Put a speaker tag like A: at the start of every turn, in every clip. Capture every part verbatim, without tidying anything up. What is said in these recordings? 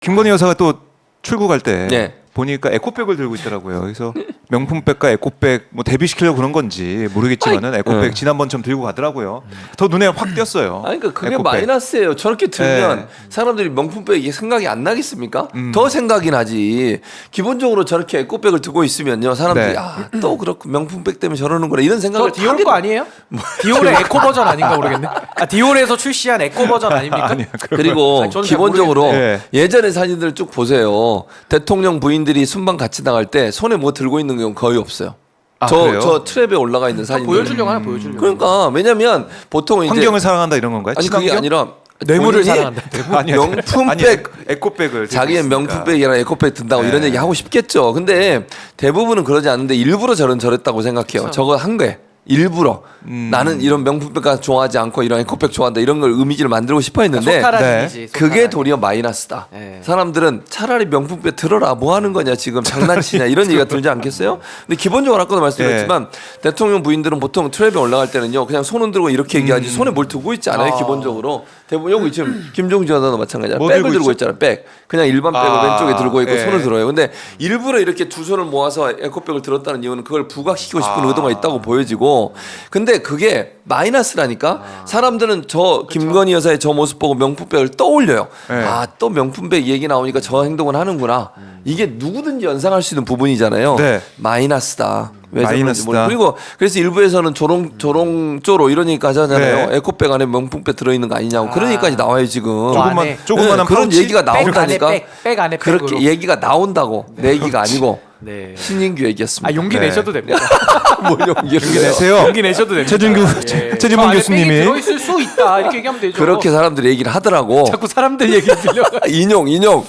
A: 김건희 여사가 또 출국할 때
B: 네.
A: 보니까 에코백을 들고 있더라고요. 그래서 명품백과 에코백 뭐 대비시키려고 그런 건지 모르겠지만은 에코백
B: 네.
A: 지난번처럼 들고 가더라고요. 더 눈에 확 띄었어요.
B: 아니 그러니까 그게
A: 에코백.
B: 마이너스예요. 저렇게 들면
A: 네.
B: 사람들이 명품백 이게 생각이 안 나겠습니까?
A: 음.
B: 더 생각이 나지. 기본적으로 저렇게 에코백을 들고 있으면요, 사람들이
A: 네.
B: 아, 또 그렇고 명품백 때문에 저러는구나 이런
C: 저
B: 생각을
C: 디올
B: 하게
C: 거 아니에요? 디올의 에코 버전 아닌가 모르겠네. 아 디올에서 출시한 에코 버전 아닙니까?
A: 아니야.
B: 그리고
C: 아니, 저는 잘
B: 기본적으로
A: 모르겠는데.
B: 예전의 사진들 쭉 보세요. 대통령 부인들이 순방 같이 나갈 때 손에 뭐 들고 있는 경우 거의 없어요.
A: 아,
B: 저,
A: 그래요?
B: 저 트랩에 올라가 있는 사진.
C: 보여주려고 하나 보여주려고.
B: 그러니까 왜냐면 보통 이제
A: 환경을 사랑한다 이런 건가요?
B: 아니 그게
A: 친환경?
B: 아니라
C: 뇌물을
B: 본인이
C: 사랑한다.
A: 아니야.
B: 명품백
A: 아니, 에코- 에코백을
B: 자기의
A: 들고 있으니까.
B: 명품백이랑 에코백 든다고
A: 네.
B: 이런 얘기 하고 싶겠죠. 근데 대부분은 그러지 않는데 일부러 저런 저랬다고 생각해요.
C: 그쵸.
B: 저거 한 거예요. 일부러
A: 음.
B: 나는 이런 명품백 좋아하지 않고 이런 에코백 좋아한다 이런 걸 이미지를 만들고 싶어 했는데
C: 소타라지지.
B: 그게 도리어 마이너스다.
C: 네.
B: 사람들은 차라리 명품백 들어라 뭐 하는 거냐 지금 장난치냐 이런 얘기가 들지 않겠어요? 근데 기본적으로 아까도 말씀드렸지만 대통령 부인들은 보통 트랩에 올라갈 때는요 그냥 손은 들고 이렇게 얘기하지
A: 음.
B: 손에 뭘 들고 있지 않아요.
C: 아.
B: 기본적으로 대부분 여기 지금 김종지 여사도 마찬가지야.
A: 뭐
B: 백을
A: 들고
B: 들고
A: 있죠?
B: 있잖아. 백 그냥 일반 백을
A: 아.
B: 왼쪽에 들고 있고
A: 예.
B: 손을 들어요. 근데 일부러 이렇게 두 손을 모아서 에코백을 들었다는 이유는 그걸 부각시키고 싶은
A: 아.
B: 의도가 있다고 보여지고 근데 그게 마이너스라니까 사람들은 저 김건희 여사의 저 모습 보고 명품백을 떠올려요.
A: 네.
B: 아 또 명품백 얘기 나오니까 저 행동을 하는구나. 이게 누구든지 연상할 수 있는 부분이잖아요.
A: 네.
B: 마이너스다. 왜 저런지
A: 마이너스다.
B: 모르- 그리고 그래서 일부에서는 조롱 조롱조로 이런 얘기까지 하잖아요.
A: 네.
B: 에코백 안에 명품백 들어있는 거 아니냐고 그런
C: 아.
B: 얘기까지 나와요 지금.
A: 조금만
C: 안에.
A: 조그만한
B: 네, 그런
A: 파우치?
B: 얘기가
C: 백 안에
B: 나온다니까.
C: 백, 백 안에
B: 그렇게
C: 백으로.
B: 얘기가 나온다고 내 얘기가 아니고
C: 네.
B: 신인규 얘기였습니다.
C: 아 용기
A: 네.
C: 내셔도 됩니다.
B: 뭘 용기를
A: 용기
B: 내요?
A: 내세요.
C: 용기 내셔도 됩니다.
A: 최준규
C: 예.
A: 최-
C: 저
A: 최진봉
C: 안에
A: 교수님이
C: 백이 들어있을 수 있다 이렇게 얘기하면 되죠.
B: 그렇게 사람들이 얘기를 하더라고.
C: 자꾸 사람들 얘기 들려.
B: 인용 인용.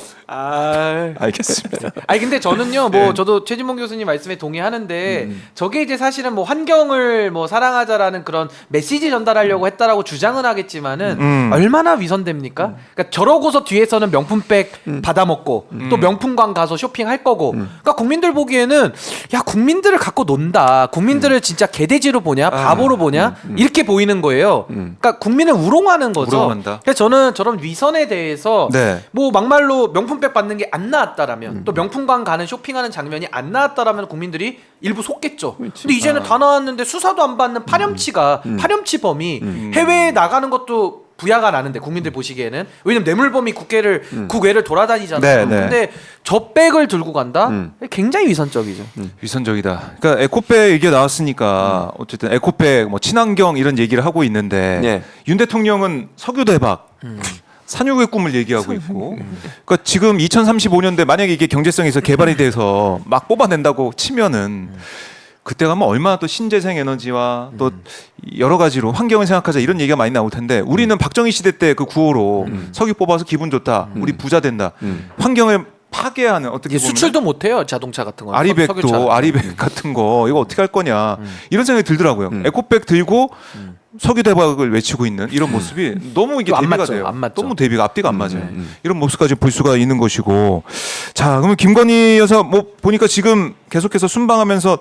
C: 아.
A: 알겠습니다.
C: 아니 근데 저는요 뭐
A: 네.
C: 저도 최진봉 교수님 말씀에 동의하는데
A: 음.
C: 저게 이제 사실은 뭐 환경을 뭐 사랑하자라는 그런 메시지 전달하려고 했다라고 주장은 하겠지만은
A: 음.
C: 얼마나 위선됩니까? 그러니까 저러고서 뒤에서는 명품백
A: 음.
C: 받아먹고 또 명품관 가서 쇼핑할 거고 그러니까 국민들 보기에는 야 국민들을 갖고 논다 국민들을 진짜 개돼지로 보냐 바보로 보냐 이렇게 보이는 거예요. 그러니까 국민을 우롱하는 거죠.
A: 우롱한다.
C: 그래서 저는 저런 위선에 대해서
A: 네.
C: 뭐 막말로 명품백 받는 게 안 나왔다라면 또 명품관 가는 쇼핑하는 장면이 안 나왔다라면 국민들이 일부 속겠죠. 근데 이제는 다 나왔는데 수사도 안 받는 파렴치가 파렴치범이 해외에 나가는 것도 부야가 나는데 국민들 보시기에는 왜냐면 뇌물범이 국회를 국외를 돌아다니잖아요.
A: 네, 네.
C: 근데 저 백을 들고 간다? 굉장히 위선적이죠.
A: 위선적이다. 그러니까 에코백 얘기가 나왔으니까 어쨌든 에코백 뭐 친환경 이런 얘기를 하고 있는데
B: 네.
A: 윤 대통령은 석유 대박 산유국의 꿈을 얘기하고 있고 그러니까 지금 이천삼십오 년대 만약에 이게 경제성에서 개발이 돼서 막 뽑아낸다고 치면은 그때 가면 얼마나 또 신재생 에너지와 또 여러 가지로 환경을 생각하자 이런 얘기가 많이 나올 텐데 우리는 박정희 시대 때 그 구호로 석유 뽑아서 기분 좋다 우리 부자 된다 환경을 파괴하는 어떻게 보면
C: 수출도 못해요 자동차 같은 거.
A: 아리백도 아리백 같은 거 이거 어떻게 할 거냐 이런 생각이 들더라고요. 에코백 들고 석유 대박을 외치고 있는 이런 모습이 너무 이게
C: 안
A: 대비가
C: 맞죠,
A: 돼요.
C: 안 맞죠.
A: 너무 대비가 앞뒤가 안 맞아요. 이런 모습까지 볼 수가 있는 것이고 자 그러면 김건희 여사 뭐 보니까 지금 계속해서 순방하면서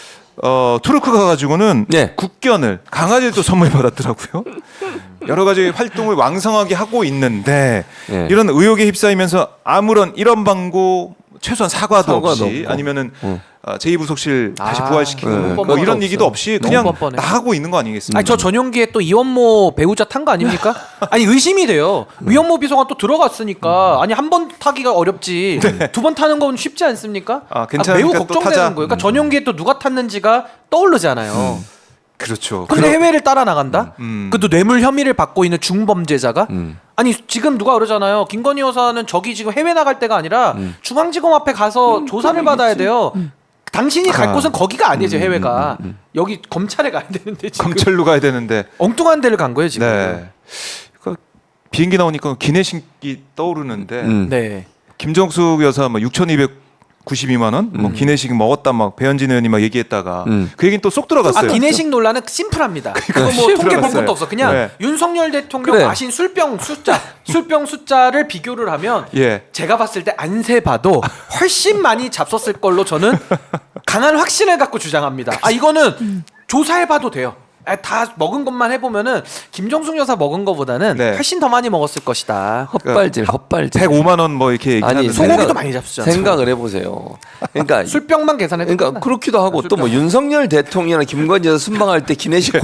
A: 어 투르크 가가지고는
B: 네.
A: 국견을 강아지를 또 선물 받았더라고요. 여러 가지 활동을 왕성하게 하고 있는데
B: 네.
A: 이런 의혹에 휩싸이면서 아무런 이런 방고 최소한 사과도,
B: 사과도
A: 없이
B: 없고.
A: 아니면은
B: 응.
A: 어, 제이부속실 다시
C: 아,
A: 부활시키고
B: 네.
A: 뭐
C: 뻔뻔한
A: 이런
C: 거
A: 얘기도
C: 없어.
A: 없이
C: 너무
A: 그냥
C: 뻔뻔해.
A: 나가고 있는 거 아니겠습니까?
C: 아니 저 전용기에 또 이원모 배우자 탄 거 아닙니까? 아니 의심이 돼요. 이원모 비서관 또 들어갔으니까 아니 한 번 타기가 어렵지 두 번 타는 건 쉽지 않습니까?
A: 아, 괜찮으니까
C: 매우
A: 또
C: 걱정되는
A: 타자.
C: 거예요. 그러니까 전용기에 또 누가 탔는지가 떠오르잖아요.
A: 그렇죠.
C: 근데
A: 그럼-
C: 해외를 따라 나간다?
A: 음.
C: 그것도 뇌물 혐의를 받고 있는 중범죄자가?
B: 음.
C: 아니 지금 누가 그러잖아요. 김건희 여사는 저기 지금 해외 나갈 때가 아니라 중앙지검 앞에 가서 조사를 받아야 돼요. 당신이 갈
A: 아.
C: 곳은 거기가 아니죠 해외가. 여기 검찰에 가야 되는데 지금
A: 검찰로 가야 되는데
C: 엉뚱한 데를 간 거예요 지금.
A: 네. 그러니까 비행기 나오니까 기내식이 떠오르는데
B: 음.
C: 네.
A: 김정숙 여사 뭐 육천이백구십이만 원, 뭐 기내식 먹었다 막 배현진 의원이 막 얘기했다가
B: 음.
A: 그 얘기는 또 쏙 들어갔어요.
C: 아 기내식 논란은 심플합니다. 그거 뭐
A: 심플
C: 통계 볼
A: 들어갔어요.
C: 것도 없어. 그냥
A: 네.
C: 윤석열 대통령
B: 그래.
C: 마신 술병 숫자, 술병 숫자를 비교를 하면
A: 예.
C: 제가 봤을 때 안 세봐도 훨씬 많이 잡섰을 걸로 저는 강한 확신을 갖고 주장합니다. 아 이거는 조사해봐도 돼요. 아, 다 먹은 것만 해보면은 김정숙 여사 먹은 것보다는
A: 네.
C: 훨씬 더 많이 먹었을 것이다.
B: 헛발질, 헛발질.
A: 백오만 원 뭐 이렇게
B: 아니
A: 얘기하는데
C: 소고기도
B: 생각-
C: 많이 잡수잖아.
B: 생각을 해보세요. 그러니까
C: 술병만 계산해도
B: 그러니까
C: 끝나.
B: 그렇기도 하고 또 뭐
C: 술병.
B: 윤석열 대통령이나 김건희 여사 순방할 때 기내식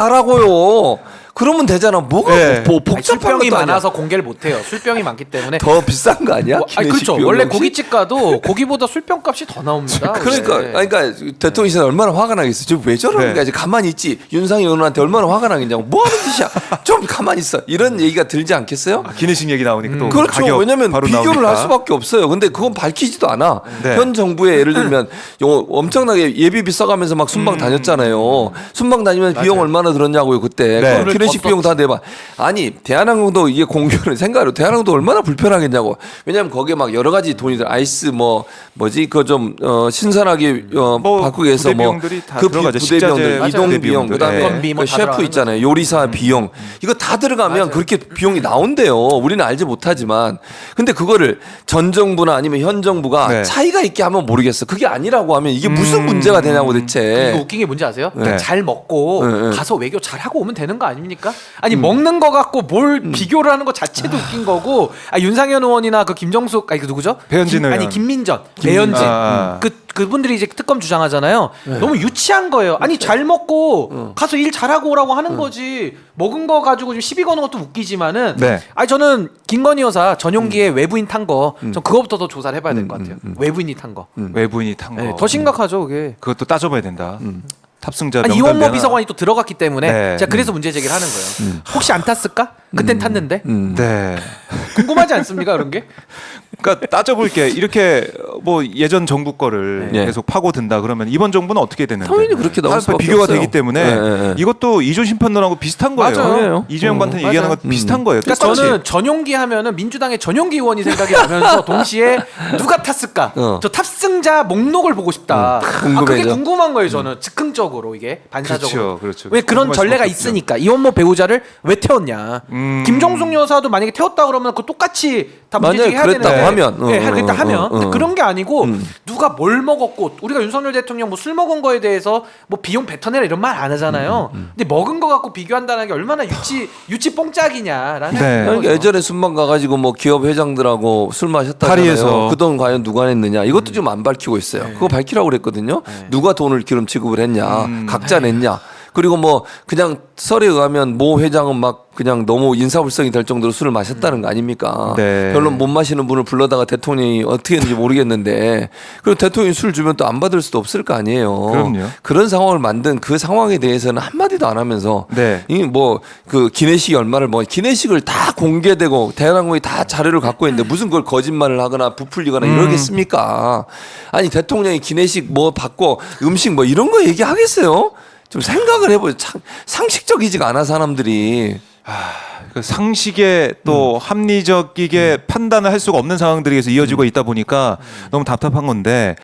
B: 공개하라고요. 그러면 되잖아. 뭐가
A: 네.
B: 뭐
C: 아니,
B: 복잡한
C: 술병이
B: 것도 아니야.
C: 많아서 공개를 못해요. 술병이 많기 때문에.
B: 더 비싼 거 아니야?
C: 뭐, 아니,
B: 기내식
C: 그렇죠.
B: 비용
C: 원래
B: 역시?
C: 고깃집 가도 고기보다 술병 값이 더 나옵니다.
B: 그러니까
C: 원래.
B: 아니, 그러니까 대통령이 얼마나 화가 나겠어. 지금 왜 저러는
A: 네.
B: 거야? 지금 가만히 있지. 윤상희 의원한테 얼마나 화가 나겠냐고. 뭐 하는 짓이야? 좀 가만히 있어. 이런 얘기가 들지 않겠어요?
A: 아, 기내식 얘기 나오니까 또
B: 그렇죠.
A: 가격
B: 왜냐면
A: 바로
B: 비교를
A: 나오니까.
B: 할 수밖에 없어요. 근데 그건 밝히지도 않아.
A: 네.
B: 현 정부에 예를 들면 요 엄청나게 예비비 써가면서 막 순방 다녔잖아요. 순방 다니면 비용 얼마나 들었냐고요 그때.
A: 네.
B: 그 기내식 비용 다 내봐. 아니 대한항공도 이게 공교를 생각해요. 대한항공도 얼마나 불편하겠냐고. 왜냐면 거기에 막 여러 가지 돈이 들 아이스 뭐 뭐지 그 좀 어, 신선하게 어,
A: 뭐
B: 바꾸기 위해서
A: 부대
B: 뭐
A: 비용들이 다
B: 그
A: 들어가죠.
B: 부대 비용들,
A: 식자재,
B: 이동
A: 부대
B: 비용,
A: 비용들.
B: 그다음에
A: 네.
C: 건비 뭐
B: 그
C: 다
B: 셰프
C: 들어가는
B: 있잖아요. 요리사 비용 이거 다 들어가면 그렇게 비용이 나온대요. 우리는 알지 못하지만 근데 그거를 전 정부나 아니면 현 정부가
A: 네.
B: 차이가 있게 하면 모르겠어. 그게 아니라고 하면 이게 무슨 문제가 되냐고
C: 이거
B: 대체.
C: 웃긴 게 뭔지 아세요?
A: 네.
C: 잘 먹고
B: 네, 네.
C: 가서 외교 잘 하고 오면 되는 거 아닙니까? 아니 먹는 거 갖고 뭘 비교를 하는 거 자체도 웃긴 거고. 아, 윤상현 의원이나 그 김정숙 아니 그 누구죠?
A: 배현진
C: 김, 아니
A: 의원.
C: 김민전, 배현진
A: 아.
C: 그 그분들이 이제 특검 주장하잖아요.
B: 네.
C: 너무 유치한 거예요. 아니 잘 먹고
B: 어.
C: 가서 일 잘하고 오라고 하는 거지. 먹은 거 가지고 좀 시비 거는 것도 웃기지만은.
A: 네.
C: 아니 저는 김건희 여사 전용기에
B: 음.
C: 외부인 탄 거, 전 그거부터 더 조사를 해봐야 될 것 같아요. 외부인이 탄 거.
A: 외부인이 탄 거.
C: 네, 더 심각하죠, 그게.
A: 그것도 따져봐야 된다. 탑승자
C: 아니
A: 명단
C: 이원모
A: 내놔.
C: 비서관이 또 들어갔기 때문에
A: 네.
C: 제가 그래서 문제 제기를 하는 거예요. 혹시 안 탔을까? 그땐 탔는데
A: 네.
C: 궁금하지 않습니까 그런 게?
A: 그러니까 따져볼게. 이렇게 뭐 예전 정부 거를
B: 네.
A: 계속 파고든다 그러면 이번 정부는 어떻게 되는데?
B: 당연히 그렇게 나올
A: 다
B: 수밖에
A: 비교가
B: 없어요.
A: 되기 때문에
B: 네, 네, 네.
A: 이것도 이조 심판론하고 비슷한 거예요.
C: 맞아요.
A: 이재명 반탄
C: 음,
A: 얘기하는
C: 맞아요.
A: 거 비슷한 거예요.
C: 그러니까
A: 똑같이.
C: 저는 전용기 하면은 민주당의 전용기 의원이 생각이 나면서 동시에 누가 탔을까?
B: 어.
C: 저 탑승자 목록을 보고 싶다. 아, 그게
B: 궁금해져.
C: 궁금한 거예요 저는 즉흥적으로 이게 반사적으로.
A: 그렇죠, 그렇죠.
C: 왜 그런
A: 궁금할
C: 전례가
A: 수밖에 없죠.
C: 있으니까 이원모 배우자를 왜 태웠냐?
A: 음.
C: 김정숙 여사도 만약에 태웠다 그러면 그 똑같이 다 문제
B: 만약에
C: 제기해야
B: 그랬다고
C: 되는데.
B: 하면, 어,
C: 네,
B: 어,
C: 그랬다
B: 어,
C: 하면
B: 어,
C: 근데
B: 어.
C: 그런 게 아니고
B: 음.
C: 누가 뭘 먹었고 우리가 윤석열 대통령 뭐 술 먹은 거에 대해서 뭐 비용 뱉어내라 이런 말 안 하잖아요.
B: 음,
C: 근데 먹은 거 갖고 비교한다는 게 얼마나 유치 유치 뽕짝이냐라는
A: 네.
C: 거죠.
B: 그러니까 예전에 순방 가가지고 뭐 기업 회장들하고 술 마셨다잖아요.
A: 파리에서.
B: 그 돈 과연 누가 냈느냐 이것도 좀 안 밝히고 있어요. 그거 밝히라고 그랬거든요. 누가 돈을 기름 지급을 했냐, 각자 냈냐. 그리고 뭐 그냥 설에 의하면 모 회장은 막 그냥 너무 인사불성이 될 정도로 술을 마셨다는 거 아닙니까?
A: 네.
B: 별로 못 마시는 분을 불러다가 대통령이 어떻게 했는지 모르겠는데 그리고 대통령이 술 주면 또 안 받을 수도 없을 거 아니에요.
A: 그럼요.
B: 그런 상황을 만든 그 상황에 대해서는 한마디도 안 하면서
A: 네.
B: 이 뭐 그 기내식 얼마를 뭐 기내식을 다 공개되고 대한항공이 다 자료를 갖고 있는데 무슨 그걸 거짓말을 하거나 부풀리거나
A: 음.
B: 이러겠습니까? 아니 대통령이 기내식 뭐 받고 음식 뭐 이런 거 얘기하겠어요? 좀 생각을 해보죠. 참 상식적이지가 않아 사람들이.
A: 그 상식에 또 합리적이게 판단을 할 수가 없는 상황들이 계속 이어지고 있다 보니까 너무 답답한 건데